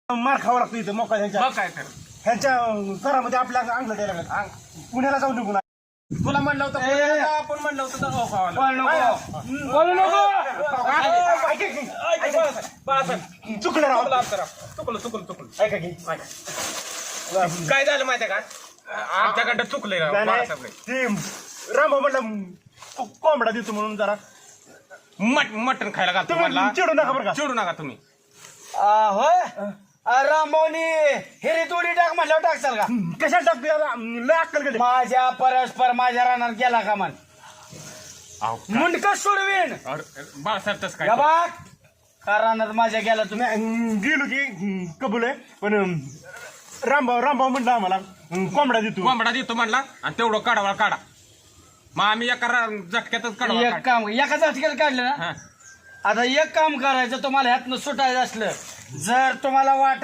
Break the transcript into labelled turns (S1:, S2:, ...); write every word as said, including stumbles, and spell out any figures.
S1: मार खावा लागतो इथं मोका ह्यांच्या
S2: मग काय कर
S1: ह्यांच्या घरामध्ये आपल्या अंगलं द्यायला लागलं पुण्याला जाऊन निघून आले.
S2: तुला म्हणलं होतं पुण्याला जा, आपण म्हणलं होतं दगाव खावायला.
S3: बोलू नको
S1: ऐका की, ऐका की.
S2: बाळासाहेब,
S1: चुकलं राव
S2: चुकलं आपलं राव. चुकलं चुकलं चुकलं
S1: ऐका की
S2: काय झालं माहितीये का आमच्याकडं चुकलंय राव
S1: नाही, नाही.
S2: बाळासाहेब.
S1: ते रामभाऊ म्हणलं को- कोंबडा देतो म्हणून जरा
S2: मट मटण खायला घालतो
S1: तुम्ही
S2: म्हणला
S1: चिडू नका बरं का
S2: चिडू नका तुम्ही
S3: होय रामभाऊनी हिरी तोडी टाक म्हणल्यावर टाकचाल का
S1: कशाला टाकतो याला? लय अक्कल गेली
S3: माझ्या परस्पर माझ्या रानात गेला का मन
S2: अहो,
S3: मुंडक सोडवीन
S2: अरे, बाळासाहेब तसं काय
S3: गबाक का रानात माझ्या गेला तुम्ही
S1: नाही, गेलो की हं, कबूल आहे पण हं, रामभाऊ रामभाऊ म्हणलं आम्हाला हं, कोंबडा देतो
S2: कोंबडा देतो म्हणला आणि तेवढं काढावा काढा मग आम्ही एका रा- झटक्यातच काढवा
S3: एक काम एका झटक्यात काढलं ना
S2: हा
S3: आता एक काम करायचं तुम्हाला ह्यातनं सुटायचं असलं जर तुम्हाला वाट